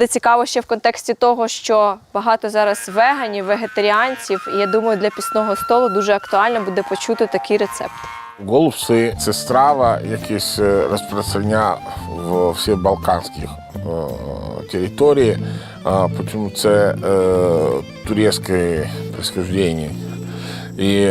буде цікаво ще в контексті того, що багато зараз веганів, вегетаріанців, і я думаю, для пісного столу дуже актуально буде почути такий рецепт. Голубці – це страва, якась розпространення в всіх балканських територіях, тому це турецьке происхождение. І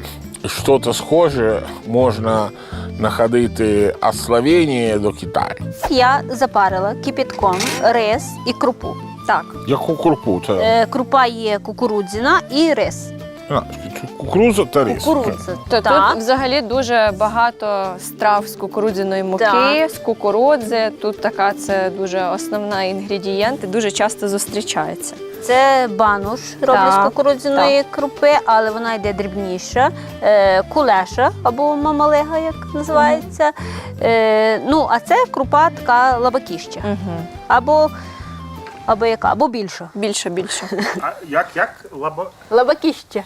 щось схоже можна знаходити від Словенії до Китаю. Я запарила кипятком рис і крупу. Так. Яку крупу? Крупа є кукурудзяна і рис. Кукурудза та рис. Кукурудза. То Так. тут взагалі дуже багато страв з кукурудзяної муки, Так. з кукурудзи. Тут така це дуже основний інгредієнт і дуже часто зустрічається. Це бануш роблять з Так, кукурудзяної крупи, але вона йде дрібніша. Кулеша або мамалега, як називається. Ну, а це крупа така лабакіща. Угу. Або більша. Більше. А як? Лабакіща.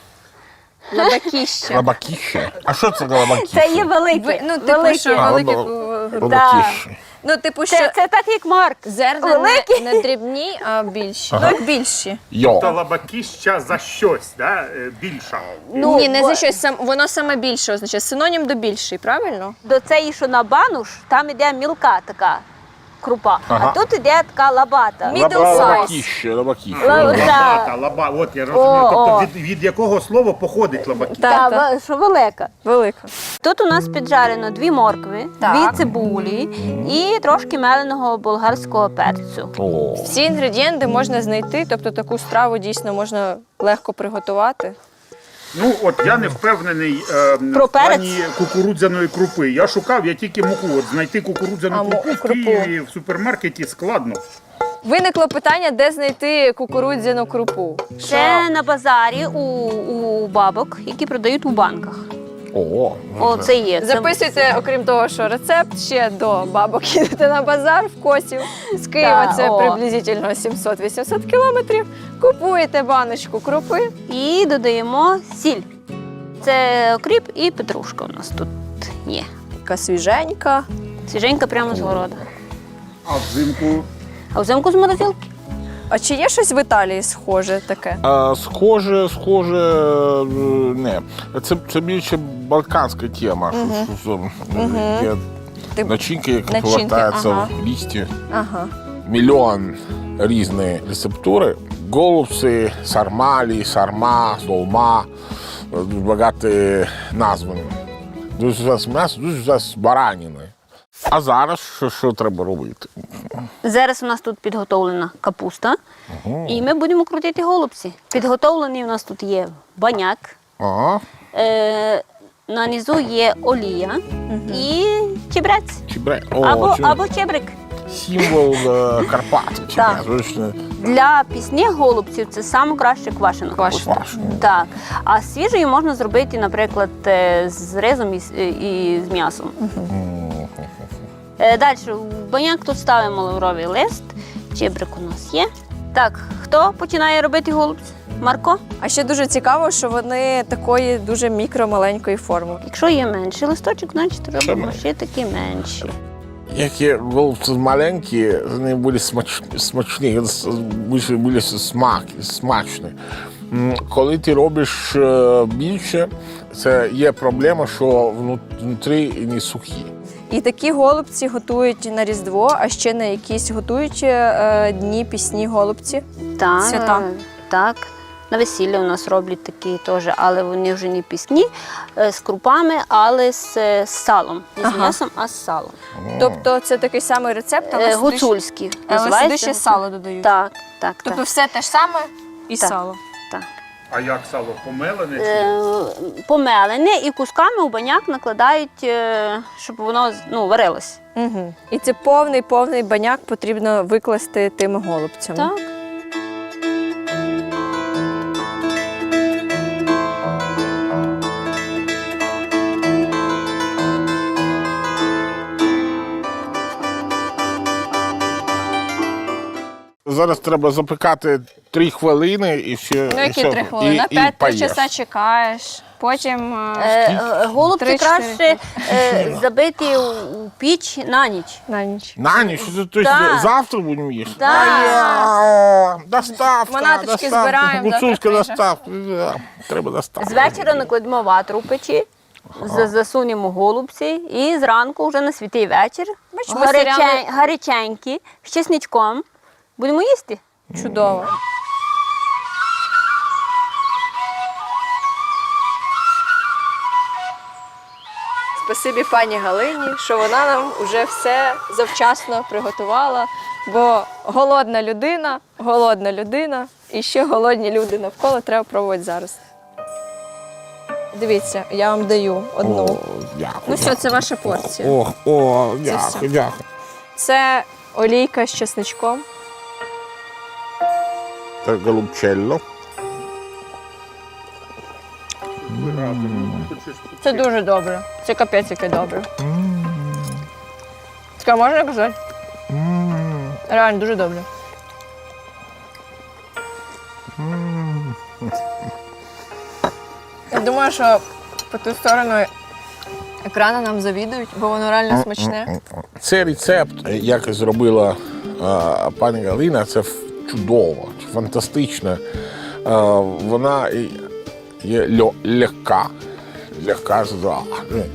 Лабакіще. Лабакіще? А що це лабакіще? Це є велике. Ну, типу, що великі... Лабакіще. Ну, типу, що Це так, як Марк. зерна великі. не дрібні, а більші. Ага. Ну, як більші. Йо. То лабакіща за щось, да? Більша. Ну, Ні, не бо- за щось, воно саме більше означає. Синонім до більший, правильно? До цієї, що на бануш, там іде мілка така крупа. Ага. А тут іде така лабата. Middle size. Лабакіще. Лабата, от я розумію. О. Тобто від якого слова походить лабакіща? Так. Що велика. Велика. Тут у нас піджарено 2 моркви, Так. 2 цибулі і трошки меленого болгарського перцю. О. Всі інгредієнти можна знайти, тобто таку страву дійсно можна легко приготувати. Ну, от я не впевнений Про в плані перець? кукурудзяної крупи. Я шукав, я тільки муку. От знайти кукурудзяну крупу в крупу. Києві в супермаркеті складно. Виникло питання, де знайти кукурудзяну крупу. Це на базарі у бабок, які продають у банках. О, це є. Це- Записуйте, окрім того, що рецепт ще до бабок їдете на базар в Косів. З Києва Так, це о. приблизительно 700-800 кілометрів. Купуєте баночку крупи. І додаємо сіль. Це окріп і петрушка у нас тут є. Така свіженька. Свіженька прямо з города. А взимку А взимку з морозилки. А чи є щось в Італії схоже таке? Схоже, не. Це більше балканська тема. Є Ти- начинки, які Начинки, повертаються ага. в лісті. Ага. Мільйон різні рецептури. Голубці, сармалі, сарма, долма. Дуже багато назв. Дуже зараз м'ясо, дуже зараз баранини. А зараз що треба робити? Зараз у нас тут підготовлена капуста, і ми будемо крутити голубці. Підготовлений у нас тут є баняк, Ага. на низу є олія і чебрець. Або чебрик. Символ Карпат. Так. Точно. Для пісних голубців це саме краще квашена капуста. Квашена. Так. А свіжою можна зробити, наприклад, з ризом і з м'ясом. Далі, в баняк тут ставимо лавровий лист, чебрик у нас є. Так, хто починає робити голубці? Марко? А ще дуже цікаво, що вони такої дуже мікро-маленької форми. Якщо є менший листочок, значить робимо менше. ще такі менші. Які голубці маленькі, вони були смачні, були смачні. Коли ти робиш більше, це є проблема, що внутрі не сухі. І такі голубці готують на Різдво, а ще на якісь готують дні пісні голубці. Так, Свята. так. На весілля у нас роблять такі теж, але вони вже не пісні, з крупами, але з салом. Не з Ага. м'ясом, а з салом. Тобто це такий самий рецепт, але сюди ще- Гуцульський. але сюди називається. ще сало додають. Так, так. Тобто так, все те ж саме і Так. сало. так. А як сало помелене? Помелене і кусками у баняк накладають, щоб воно варилось. Угу. І це повний баняк потрібно викласти тими голубцями. Так. зараз треба запекати 3 хвилини і все. Ну, які 3 хвилини? 5-3 часа чекаєш. Потім Голубці 3-4. краще забити у піч на ніч. на ніч. На ніч? Тобто Так. завтра будемо їсти? Так. Доставка, Манаточки збираємо, Гуцульська завтра прийде. доставка. Да, треба доставка. З вечора накладемо ватру в печі, засунемо голубці і зранку вже на святий вечір Бачимо, серіали- гаряченькі, з чесничком. Будемо їсти. Чудово. Спасибі пані Галині, що вона нам вже все завчасно приготувала, бо голодна людина і ще голодні люди навколо треба пробувати зараз. Дивіться, я вам даю одну. О, дякую. Ну що, це ваша порція. О, Це все. дякую, дякую. Це олійка з чесничком. Це голубчелло. Це дуже добре. Це капець яке добре. Таке можна казати? Реально дуже добре. Я думаю, що по ту сторону екрану нам завідують, бо воно реально смачне. Це рецепт, як зробила пані Галина, це чудово, фантастично. Вона є легка,